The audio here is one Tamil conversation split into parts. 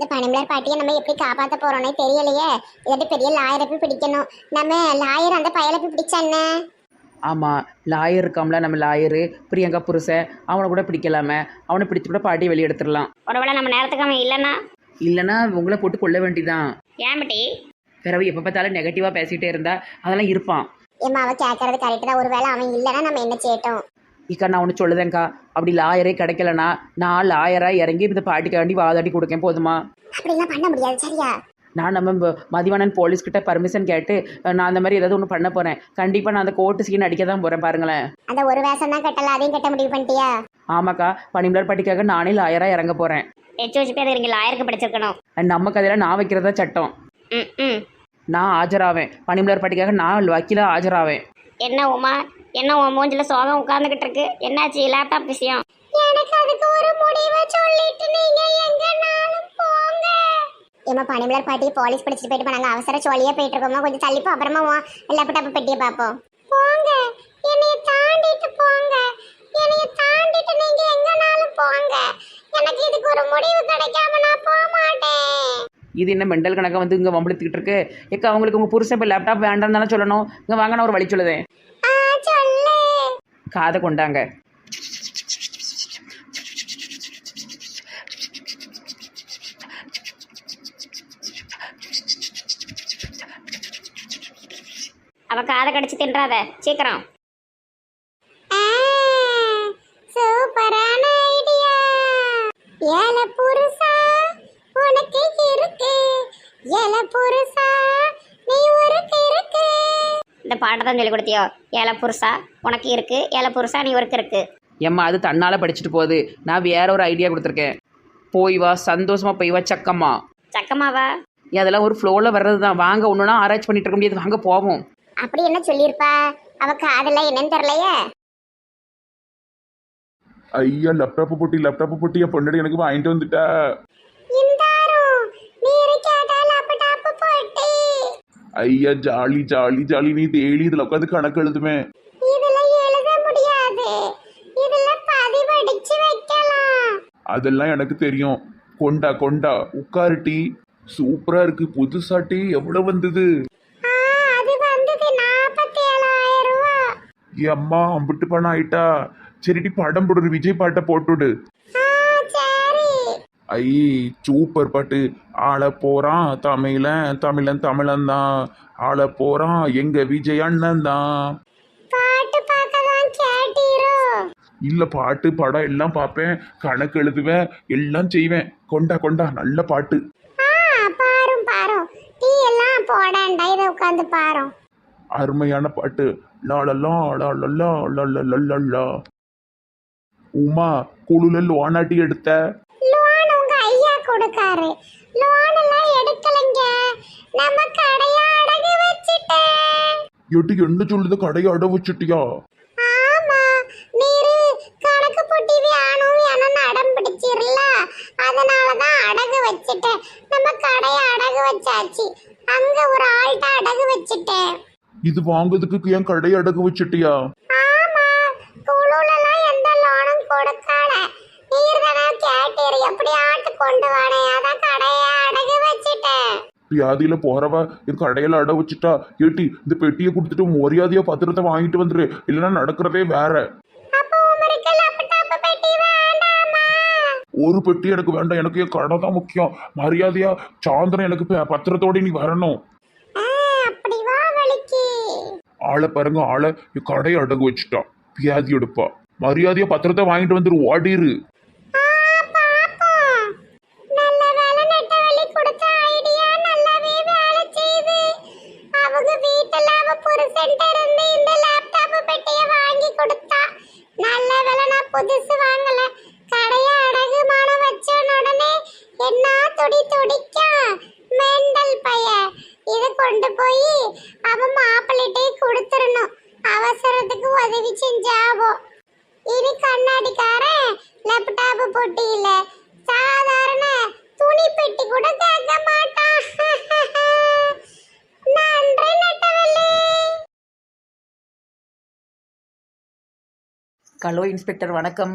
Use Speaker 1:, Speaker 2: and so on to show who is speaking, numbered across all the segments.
Speaker 1: இந்த பனிமலர் பாட்டியை நம்ம எப்படி காப்பாற்ற போறோம்னே தெரியலையே. இல்லாட்டி பெரிய லாயரை போய் பிடிக்கணும். நம்ம லாயர் அந்த பயலை போய் பிடிச்சானே.
Speaker 2: ஆமாம், லாயர் இருக்காம்ல, நம்ம லாயரு பிரியங்கா புருஷன், அவனை கூட பிடிக்கலாமே. அவனை பிடிச்சி கூட பாட்டியை வெளியே எடுத்துடலாம்.
Speaker 3: ஒருவேளை நம்ம நேரத்துக்கு அவன் இல்லைன்னா
Speaker 2: இல்லைன்னா உங்களை போட்டு கொள்ள வேண்டிதான்.
Speaker 3: ஏன் பட்டி?
Speaker 2: பிறகு எப்போ பார்த்தாலும் நெகட்டிவாக பேசிகிட்டே இருந்தா அதெல்லாம் இருப்பான்.
Speaker 1: ஏம்மா அவ கேட்கறது கரெக்டு தான். ஒருவேளை அவன் இல்லைன்னா நம்ம என்ன செய்யட்டும்?
Speaker 2: இக்கா நான் ஒன்று சொல்லுதேங்க்கா, அப்படி லாயரே கிடைக்கலனா நான் லாயராக இறங்கி இந்த பாட்டிக்காண்டி வாதாடி கொடுக்கேன், போதுமா?
Speaker 1: அப்படிலாம் பண்ண முடியாது, சரியா?
Speaker 2: நான் நம்ம மதிவானன் போலீஸ்கிட்ட பர்மிஷன் கேட்டு நான் அந்த மாதிரி ஏதாவது ஒன்று பண்ண போகிறேன். கண்டிப்பாக நான் அந்த கோர்ட்டு சீன் அடிக்க தான் போகிறேன், பாருங்களேன்.
Speaker 1: அந்த ஒரு வேஷம் தான் கட்டல, அதையும் கட்ட முடிவு பண்ணிட்டியா?
Speaker 2: ஆமாக்கா, பனிமலர் பாட்டிக்காக நானே லாயராக இறங்க போகிறேன்.
Speaker 3: வச்சு பேர் இங்கே லாயருக்கு படிச்சிருக்கணும்.
Speaker 2: நம்ம கதையில் நான் வைக்கிறதா சட்டம்.
Speaker 3: ம்.
Speaker 2: நான் ஆஜராவேன், பனிமலர் பாட்டிக்காக நான் வக்கீலாக ஆஜராவேன்.
Speaker 3: என்ன உமா, என்ன உன் மூஞ்சில சோகம் உட்கார்ந்துகிட்டு இருக்கு? என்னாச்சு? லேப்டாப் விஷயம்?
Speaker 1: எனக்கு அதுக்கு ஒரு முடிவை சொல்லிட்டு நீங்க எங்கனாலும் போங்க. ஏமா பனிமலர் பாட்டி போலீஸ் பிடிச்சிட்டு போயிட்டு போனாங்க. அவசர சோழியா போயிட்டு இருக்கோமா, கொஞ்சம் தள்ளிப்போ, அப்புறமா லேப்டாப் பெட்டியை பார்ப்போம். போங்க, என்னைய தாண்டிட்டு போங்க. என்னைய தாண்டிட்டு நீங்க எங்கனாலும் போங்க. எனக்கு இதுக்கு ஒரு முடிவு கிடைக்காம நான் போக மாட்டேன்.
Speaker 2: இது என்ன மெண்டல் கணக்கை வந்து இங்கே வம்பளுத்துக்கிட்டு இருக்கு? ஏக்கா அவங்களுக்கு உங்கள் புருஷன் இப்போ லேப்டாப் வேண்டாம்னு தானே சொல்லணும். இங்கே வாங்க, நான் ஒரு வழி சொல்லுதேன்.
Speaker 1: சொல்லு.
Speaker 2: காதை கொண்டாங்க.
Speaker 3: அவ காதை கடிச்சு தின்றாத, சீக்கிரம்.
Speaker 1: சூப்பரான ஐடியா. ஏல புருஷா உனக்கு இருக்கு, ஏல புருஷா நீ ஒருக்கு இருக்கு.
Speaker 3: இந்த பாட்டை தான் சொல்லி கொடுத்தியோ? ஏழை புருஷா உனக்கு இருக்கு, ஏழை புருஷா நீ ஒருக்கு இருக்கு.
Speaker 2: ஏம்மா அது தன்னால் படிச்சுட்டு போகுது. நான் வேற ஒரு ஐடியா கொடுத்துருக்கேன். போய் வா, சந்தோஷமா போய் வா. சக்கம்மா
Speaker 3: சக்கமாவா?
Speaker 2: அதெல்லாம் ஒரு ஃப்ளோவில் வர்றது தான். வாங்க, ஒன்றுனா ஆராய்ச்சி பண்ணிட்டு இருக்க முடியாது, வாங்க போவோம்.
Speaker 1: அப்படி என்ன சொல்லியிருப்பா? அவ காதெல்லாம் என்னன்னு தெரியலையே.
Speaker 4: ஐயா லேப்டாப் போட்டி என் பொண்ணு எனக்கு வாங்கிட்டு வந்துட்டா. ஐயா ஜாலி ஜாலி ஜாலி. நீ டெய்லி இதுல உட்காந்து கணக்கு எழுதுமே. அதெல்லாம் எனக்கு தெரியும். கொண்டா கொண்டா உட்காருட்டி. சூப்பரா இருக்கு. புதுசாட்டி எவ்வளவு வந்தது? அம்மா அம்பிட்டு பணம் ஆயிட்டா. சரிடி படம் போடு, விஜய் பாட்டை போட்டுடு. ஐ சூப்பர் பாட்டு. ஆள போறான் தமிழன் தமிழன் தமிழன் தான். ஆள போறான் எங்க விஜய் அண்ணன் தான். இல்ல பாட்டு படம் எல்லாம் பார்ப்பேன், கணக்கு எழுதுவேன், எல்லாம் செய்வேன். கொண்டா கொண்டா நல்ல பாட்டு. அருமையான பாட்டு. லாலலா லாலலா லாலலா. உமா குழுல லோனாட்டி எடுத்த?
Speaker 1: கொடுக்காரு. லோன் எல்லாம் எடுக்கலங்க, நம்ம கடைய அடகு வச்சிட்டேன்.
Speaker 4: எட்டு என்ன சொல்லுது? கடையை அட வச்சுட்டியா?
Speaker 1: ஆமா, நீரு கணக்கு போட்டி வேணும் வேணும்னு அடம் பிடிச்சிரல, அதனாலதான் அடகு வச்சிட்டேன். நம்ம கடைய அடகு வச்சாச்சு. அங்க ஒரு ஆள்கிட்ட அடகு வச்சிட்டேன்.
Speaker 4: இது வாங்குறதுக்கு என் கடையை அடகு வச்சுட்டியா?
Speaker 1: ஆமா, குழுலாம் எந்த லோனும் கொடுக்கல. நீர் தானே கேட்டீர், எப்படி ஆட்டு கொண்டு வானே, அதான் கடைய அடகு வச்சிட்டேன்.
Speaker 4: வியாதியில போறவ என் கடையில அட வச்சுட்டா. ஏட்டி இந்த பெட்டியை கொடுத்துட்டு மரியாதையா பத்திரத்தை வாங்கிட்டு வந்துரு, இல்லைன்னா நடக்கிறதே வேற. ஒரு பெட்டி எனக்கு வேண்டாம், எனக்கு என் கடை தான் முக்கியம். மரியாதையா சாயந்தரம் எனக்கு பத்திரத்தோட நீ வரணும். ஆளை பாருங்க, ஆளை என் கடையை அடகு வச்சுட்டா. வியாதி எடுப்பா. மரியாதையா பத்திரத்தை வாங்கிட்டு வந்துரு, ஓடிரு.
Speaker 1: புதுசு வாங்கல, கடைய அடகுமான வச்ச உடனே என்ன துடி துடிக்கா மெண்டல் பைய. இத கொண்டு போய் அவன் மாப்பிள்ளைட்டே கொடுத்துடணும். அவசரத்துக்கு உதவி செஞ்சாவோ. இனி கண்ணாடிக்காரன் லேப்டாப் போட்டி இல்ல, சாதாரண துணி பெட்டி கூட கேட்க மாட்டான். நன்றி நட்டவள்ளி.
Speaker 2: ஹலோ இன்ஸ்பெக்டர், வணக்கம்.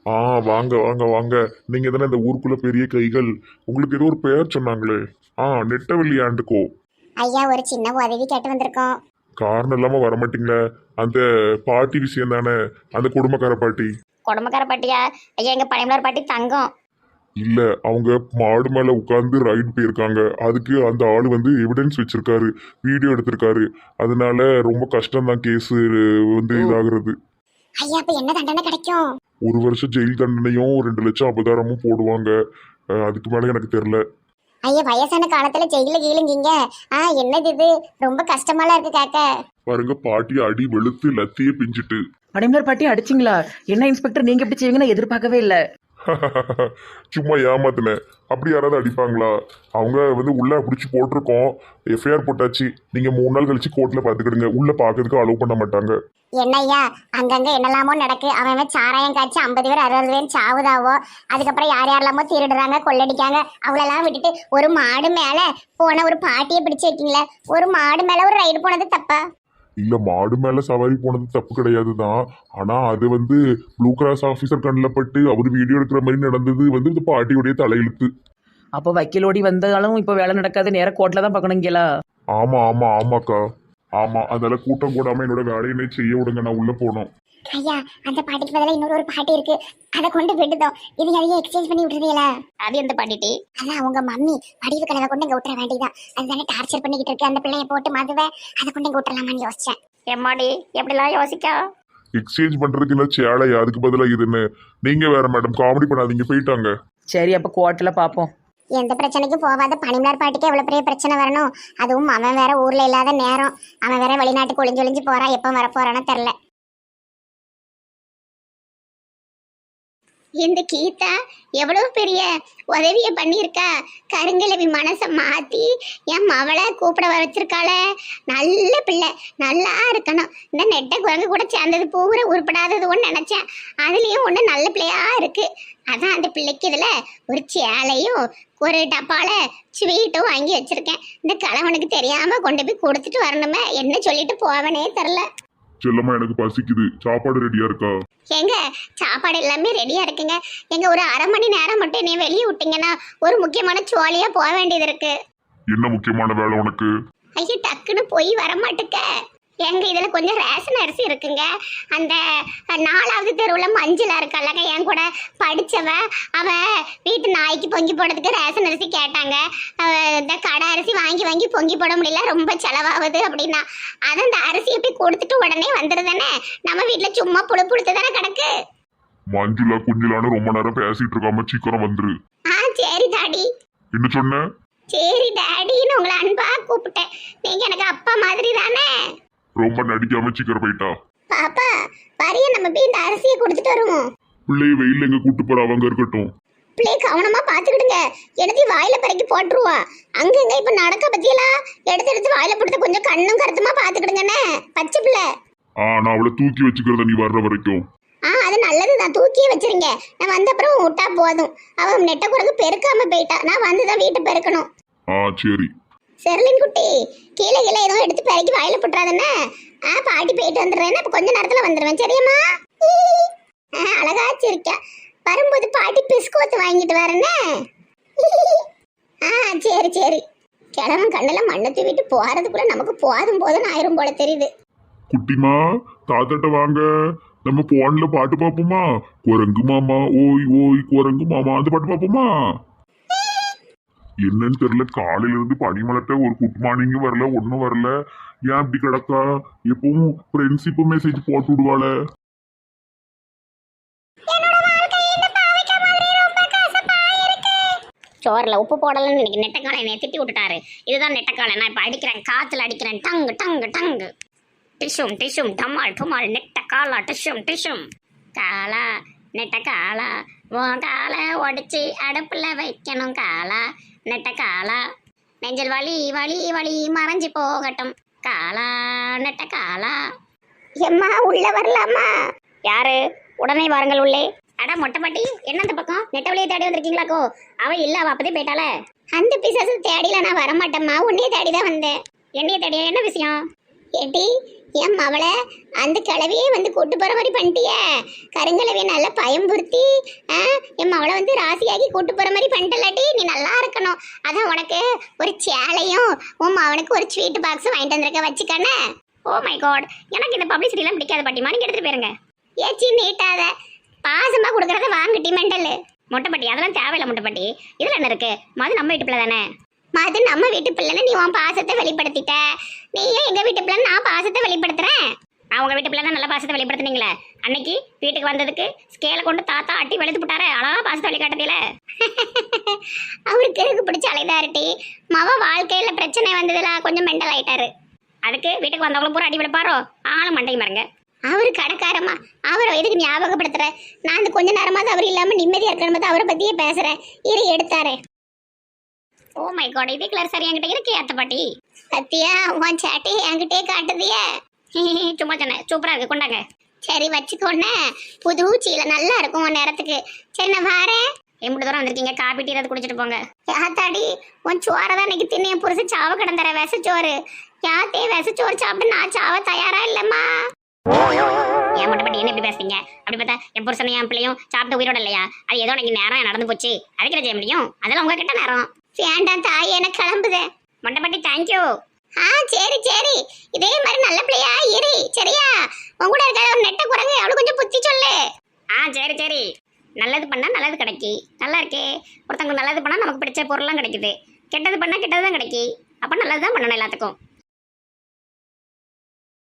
Speaker 5: ஆ வாங்க வாங்க வாங்க. நீங்க தானே இந்த ஊருக்குள்ள பெரிய கைகள். உங்களுக்கு ஏதோ ஒரு பெயர் சொன்னாங்களே. நெட்டவெளி ஆண்டுக்கோ.
Speaker 1: ஐயா ஒரு சின்ன உதவி கேட்டு வந்திருக்கோம்.
Speaker 5: காரணம் இல்லாம வரமாட்டீங்களே. அந்த பாட்டி விஷயம் தானே, அந்த குடும்பக்கார பாட்டி.
Speaker 3: குடும்பக்கார பாட்டியா? ஐயா எங்க பனிமலர் பாட்டி தங்கம்.
Speaker 5: இல்ல, அவங்க மாடு மேல உட்கார்ந்து ரைடு போயிருக்காங்க. அதுக்கு அந்த ஆளு வந்து எவிடன்ஸ் வச்சிருக்காரு, வீடியோ எடுத்திருக்காரு. அதனால ரொம்ப கஷ்டம் தான் கேஸ் வந்து இதாகிறது.
Speaker 1: ஐயா அப்ப என்ன தண்டனை கிடைக்கும்?
Speaker 5: 1 வருஷம் ஜெயில் தண்டனையும் 2 லட்சம் அபதாரமும் போடுவாங்க. அதுக்கு மேல எனக்கு தெரியல.
Speaker 1: ஐயா வயசான காலத்துல ஜெயில கீழுங்கிங்க. என்னது இது, ரொம்ப கஷ்டமாலாம் இருக்கு கேட்க.
Speaker 5: பாருங்க, பாட்டி அடி வெளுத்து லத்தியே பிஞ்சிட்டு.
Speaker 2: பனிமலர் பாட்டி அடிச்சிங்களா? என்ன இன்ஸ்பெக்டர் நீங்க எப்படி செய்வீங்கன்னு நான் எதிர்பார்க்கவே இல்லை.
Speaker 5: சும்மா ஏமாத்தினேன். அப்படி யாராவது அடிப்பாங்களா? அவங்க வந்து உள்ள பிடிச்சி போட்டிருக்கோம், எஃப்ஐஆர் போட்டாச்சு. நீங்க 3 நாள் கழிச்சு கோர்ட்ல பாத்துக்கிடுங்க. உள்ள பாக்கிறதுக்கு அலோவ் பண்ண மாட்டாங்க.
Speaker 1: என்ன ஐயா அங்கங்க என்னெல்லாமோ நடக்கு. அவன் சாராயம் காய்ச்சி 50 பேர் 60 பேர் சாவுதாவோ. அதுக்கப்புறம் யார் யாரெல்லாமோ திருடுறாங்க, கொள்ளடிக்காங்க. அவளெல்லாம் விட்டுட்டு ஒரு மாடு மேல போன ஒரு பாட்டியை பிடிச்சு வைக்கீங்களே. ஒரு மாடு மேல ஒரு ரைடு போனது தப்பா?
Speaker 5: இல்ல, மாடு மேல சவாரி போனது தப்பு கிடையாது தான். ஆனா அது வந்து ப்ளூ கிராஸ் ஆபீசர் கண்ணில் பட்டு அவர் வீடியோ எடுக்கிற மாதிரி நடந்தது வந்து இந்த பாட்டியுடைய தலையெழுத்து.
Speaker 2: அப்போ வக்கீலோடி வந்தாலும் இப்போ வேலை நடக்காது, நேராக கோர்ட்டில் தான் பார்க்கணுங்களா?
Speaker 5: ஆமா ஆமா ஆமாக்கா. ஆமா, அதனால கூட்டம் கூடாம என்னோட வேலையை செய்ய விடுங்க, நான் உள்ள போனோம்.
Speaker 1: ஐயா அந்த பாட்டிக்கு பதிலாக இன்னொரு பாட்டி இருக்கு, அதை கொண்டு விட்டுதோம். இது அதையே எக்ஸ்சேஞ்ச் பண்ணி விட்டுறீங்களா?
Speaker 3: அது எந்த பாட்டிட்டி?
Speaker 1: அதான் அவங்க மம்மி வடிவு கலவை கொண்டு இங்க விட்டுற வேண்டியதான். அதுதானே டார்ச்சர் பண்ணிக்கிட்டு இருக்கு அந்த பிள்ளைய போட்டு மதுவை. அதை கொண்டு இங்க விட்டுறலாமான்னு யோசிச்சேன்.
Speaker 3: எம்மாடி எப்படிலாம் யோசிக்கா?
Speaker 5: எக்ஸ்சேஞ்ச் பண்றதுக்கு இல்ல சேலையா, அதுக்கு பதிலா இதுன்னு. நீங்க வேற மேடம், காமெடி பண்ணாதீங்க, போயிட்டாங்க.
Speaker 2: சரி அப்போ கோர்ட்டில் பார்ப்போம்.
Speaker 1: எந்த பிரச்சனைக்கும் போகாத பனிமலர் பாட்டிக்கு எவ்வளவு பெரிய பிரச்சனை வரணும்? அதுவும் அவன் வேற ஊர்ல இல்லாத நேரம், அவன் வேற வெளிநாட்டுக்கு ஒளிஞ்சு ஒளிஞ்சு போறான். எப்ப வர போறானோ தெரியல. இந்த கீதா எவ்வளவு பெரிய உதவிய பண்ணியிருக்கா. கருங்கலவி மனசை மாத்தி என் மவளை கூப்பிட வச்சிருக்காள. நல்ல பிள்ளை, நல்லா இருக்கணும். இந்த நெட்டை குரங்கு கூட சேர்ந்தது பூரா உருப்படாதது ஒன்று நினைச்சேன். அதுலயும் ஒன்று நல்ல பிள்ளையா இருக்கு. அதான் அந்த பிள்ளைக்கு இதுல ஒரு சேலையும் ஒரு டப்பால ஸ்வீட்டும் வாங்கி வச்சிருக்கேன். இந்த கணவனுக்கு தெரியாம கொண்டு போய் கொடுத்துட்டு வரணுமே, என்ன சொல்லிட்டு போவனே தெரில.
Speaker 5: செல்லம்மா, எனக்கு பசிக்குது, சாப்பாடு ரெடியா இருக்கா?
Speaker 1: எங்க சாப்பாடு எல்லாமே ரெடியா இருக்குங்க. எங்க ஒரு 1/2 மணி நேரம் மட்டும் என்னைய வெளியே விட்டீங்கன்னா ஒரு முக்கியமான சோழியா போக வேண்டியது இருக்கு.
Speaker 5: என்ன முக்கியமான வேலை உனக்கு?
Speaker 1: ஐயோ டக்குன்னு போய் வர மாட்டுக்க. எங்க இதுல கொஞ்சம் ரேஷன் அரிசி இருக்குங்க. அந்த 4வது தெருவுல மஞ்சளா இருக்கல்லங்க, என் கூட படிச்சவ, அவ வீட்டு நாய்க்கு பொங்கி போடுறதுக்கு ரேஷன் அரிசி கேட்டாங்க. இந்த கடை அரிசி வாங்கி வாங்கி பொங்கி போட முடியல, ரொம்ப செலவாகுது அப்படின்னா. அதை அந்த அரிசியை போய் கொடுத்துட்டு உடனே வந்துருதானே. நம்ம வீட்டுல சும்மா புழு புழுத்து தானே கிடக்கு.
Speaker 5: மஞ்சுளா குஞ்சுலான்னு ரொம்ப நேரம் பேசிட்டு இருக்காம சீக்கிரம் வந்துரு.
Speaker 1: சரி டாடி.
Speaker 5: என்ன சொன்ன?
Speaker 1: சரி டாடின்னு உங்களை அன்பா கூப்பிட்டேன். நீங்க எனக்கு அப்பா மாதிரி தானே.
Speaker 5: ரொம்ப நடிக்காம சீக்கிரம் போயிட்டா.
Speaker 1: பாப்பா வரிய நம்ம போய் இந்த அரிசியை கொடுத்துட்டு வருவோம்.
Speaker 5: பிள்ளைய வெயில எங்க கூட்டு போற, அவங்க இருக்கட்டும்.
Speaker 1: பிள்ளைய கவனமா பாத்துக்கிடுங்க. எடுத்து வாயில பறக்கி போட்டுருவா. அங்கங்க இப்ப நடக்க பத்தியெல்லாம் எடுத்து எடுத்து வாயில போட்டு கொஞ்சம் கண்ணும் கருத்துமா பாத்துக்கிடுங்கண்ணே. பச்சை பிள்ளை.
Speaker 5: நான் அவளை தூக்கி வச்சுக்கிறத நீ வர்ற வரைக்கும்.
Speaker 1: அது நல்லதுதான், தூக்கியே வச்சிருங்க. நான் வந்த அப்புறம் விட்டா போதும். அவன் நெட்ட குரங்கு பெருக்காம போயிட்டா. நான் வந்துதான் வீட்டை பெருக்கணும்.
Speaker 5: சரி.
Speaker 1: செர்லின் குட்டி கீழே கீழே ஏதோ எடுத்து பெருக்கி வாயில போட்டுறாதுன்னு. பாட்டி போயிட்டு வந்துடுறேன். அப்ப கொஞ்ச நேரத்துல வந்துடுவேன், சரியாம்மா? அழகாச்சு இருக்க. வரும்போது பாட்டி பிஸ்கோத்து வாங்கிட்டு வரேன்னு. சரி சரி. கிழவன் கண்ணெல்லாம் மண்ணை தூவிட்டு போறதுக்குள்ள நமக்கு போதும் போதும் ஆயிரும் போல தெரியுது.
Speaker 5: குட்டிமா, தாத்தாட்ட வாங்க, நம்ம போன்ல பாட்டு பாப்போமா? குரங்கு மாமா ஓய் ஓய் குரங்கு மாமா, அந்த பாட்டு பாப்போமா? என்னன்னு தெரியல, காலையில இருந்து பனிமலர்ட்ட ஒரு குட் மார்னிங் வரல, ஒன்னும் வரல. ஏன் அப்படி கிடக்கா? எப்பவும் ஃப்ரெண்ட்ஷிப் மெசேஜ் போட்டு விடுவாள.
Speaker 3: சோறில் உப்பு போடலன்னு இன்னைக்கு நெட்டக்காலை என்னை திட்டி விட்டுட்டாரு. இதுதான் நெட்டக்காலை. நான் இப்போ அடிக்கிறேன், காற்றுல அடிக்கிறேன். டங்கு டங்கு டங்கு, டிஷும் டிஷும், டமால் டுமால், நெட்டக்காலா டிஷும் டிஷும். காலா நெட்டக்காலா, உன் காலை உடச்சி அடுப்பில் வைக்கணும். காலா நெட்டக்காலா, நெஞ்சல் வலி வலி வலி மறைஞ்சு போகட்டும். காலா நெட்டக்காலா.
Speaker 1: எம்மா உள்ள வரலாமா?
Speaker 3: யாரு? உடனே வாருங்கள் உள்ளே. அட மொட்டைப்பாட்டி, என்ன அந்த பக்கம் நெட்டவழியை தேடி வந்திருக்கீங்களாக்கோ? அவ இல்ல, அவ அப்பதே போயிட்டால.
Speaker 1: அந்த பிசாசு தேடில நான் வரமாட்டேம்மா, உன்னையே தேடிதான் வந்தேன்.
Speaker 3: என்னைய தேடியா? என்ன விஷயம்?
Speaker 1: ஏட்டி என் மவளை அந்த கிழவியே வந்து கூட்டு போற மாதிரி பண்ணிட்டியே. கருங்கிழவிய நல்லா பயம்புறுத்தி என் மவளை வந்து ராசியாகி கூட்டு போற மாதிரி பண்ணிட்டலாட்டி நீ நல்லா இருக்கணும். அதான் உனக்கு ஒரு சேலையும் உன் அவனுக்கு ஒரு ஸ்வீட் பாக்ஸும் வாங்கிட்டு வந்திருக்க வச்சுக்கண்ணே.
Speaker 3: ஓ மை காட், எனக்கு இந்த பப்ளிசிட்டிலாம் பிடிக்காத பாட்டிமா, நீங்க எடுத்துட்டு போயிருங்க.
Speaker 1: ஏச்சி நீட்டாத பாசமா கொடுக்கறத வாங்கிட்டி மெண்டல்.
Speaker 3: மொட்டைப்பட்டி அதெல்லாம் தேவையில்லை மொட்டைப்பட்டி. இதுல என்ன இருக்கு? மது நம்ம வீட்டு பிள்ளை தானே.
Speaker 1: மது நம்ம வீட்டு பிள்ளைன்னு நீ உன் பாசத்தை வெளிப்படுத்திட்ட. நீ ஏன் எங்க வீட்டு பிள்ளை நான் பாசத்தை வெளிப்படுத்துறேன்?
Speaker 3: நான் உங்க வீட்டு பிள்ளை தான் நல்ல பாசத்தை வெளிப்படுத்துனீங்களே. அன்னைக்கு வீட்டுக்கு வந்ததுக்கு ஸ்கேலை கொண்டு தாத்தா அட்டி வெளுத்து போட்டாரு. அழகா பாசத்தை வெளிக்காட்டதில்ல.
Speaker 1: அவருக்கு இருக்கு பிடிச்ச அலைதாரிட்டி. மவ வாழ்க்கையில பிரச்சனை வந்ததுல கொஞ்சம் மெண்டல் ஆயிட்டாரு.
Speaker 3: அதுக்கு வீட்டுக்கு வந்தவங்களும் பூரா அடி வெளுப்பாரோ? ஆளும் மண்டை மருங்க.
Speaker 1: அவரு கடைக்காரமா அவரை எதுக்கு ஞாபகப்படுத்துற? நான் அந்த கொஞ்ச நேரமாவது அவர் இல்லாம நிம்மதியா இருக்கணும் அவரை பத்தியே பேசுறேன். இரு எடுத்தாரே.
Speaker 3: ஓ மை காட், இதே கலர் சரி என்கிட்ட இருக்கு அத்தை பாட்டி.
Speaker 1: பத்தியா உன் சேட்டை என்கிட்டே காட்டுதியே.
Speaker 3: சும்மா சொன்னேன், சூப்பரா இருக்கு, கொண்டாங்க.
Speaker 1: சரி வச்சுக்கோண்ணே, புது சீலை நல்லா இருக்கும் உன் நேரத்துக்கு. சரி நான் வாரேன்.
Speaker 3: எம்பிட்டு தூரம் வந்திருக்கீங்க, காப்பி டீ ஏதாவது குடிச்சிட்டு போங்க.
Speaker 1: யாத்தாடி உன் சோறதான் இன்னைக்கு தின்ன புருஷன் சாவ கிடந்துற விசச்சோறு. யாத்தே விசச்சோறு சாப்பிட்டு நான் சாவ தயாரா இல்லம்மா.
Speaker 3: ஏன் மட்டும் பட்டி என்ன இப்படி பேசுறீங்க? அப்படி பார்த்தா என் புருஷனையும் என் பிள்ளையும் சாப்பிட்டு உயிரோட இல்லையா? அது ஏதோ எனக்கு நேரம் நடந்து போச்சு, அதுக்கு என்ன செய்ய முடியும்? அதெல்லாம் உங்ககிட்ட நேரம்.
Speaker 1: வேண்டாம் தாய், எனக்கு கிளம்புதே.
Speaker 3: மொட்டைப்பட்டி தேங்க்யூ.
Speaker 1: சரி சரி, இதே மாதிரி நல்ல பிள்ளையா இரு சரியா? உன் கூட இருக்க ஒரு நெட்ட குரங்கு அவளுக்கு கொஞ்சம் புத்தி சொல்லு.
Speaker 3: சரி சரி, நல்லது பண்ணா நல்லது கிடைக்கி. நல்லா இருக்கே, ஒருத்தவங்க நல்லது பண்ணா நமக்கு பிடிச்ச பொருள்லாம் கிடைக்குது. கெட்டது பண்ணா கெட்டது தான் கிடைக்கி. அப்ப நல்லது தான் பண்ணணும் எல்லாத்துக்கும்.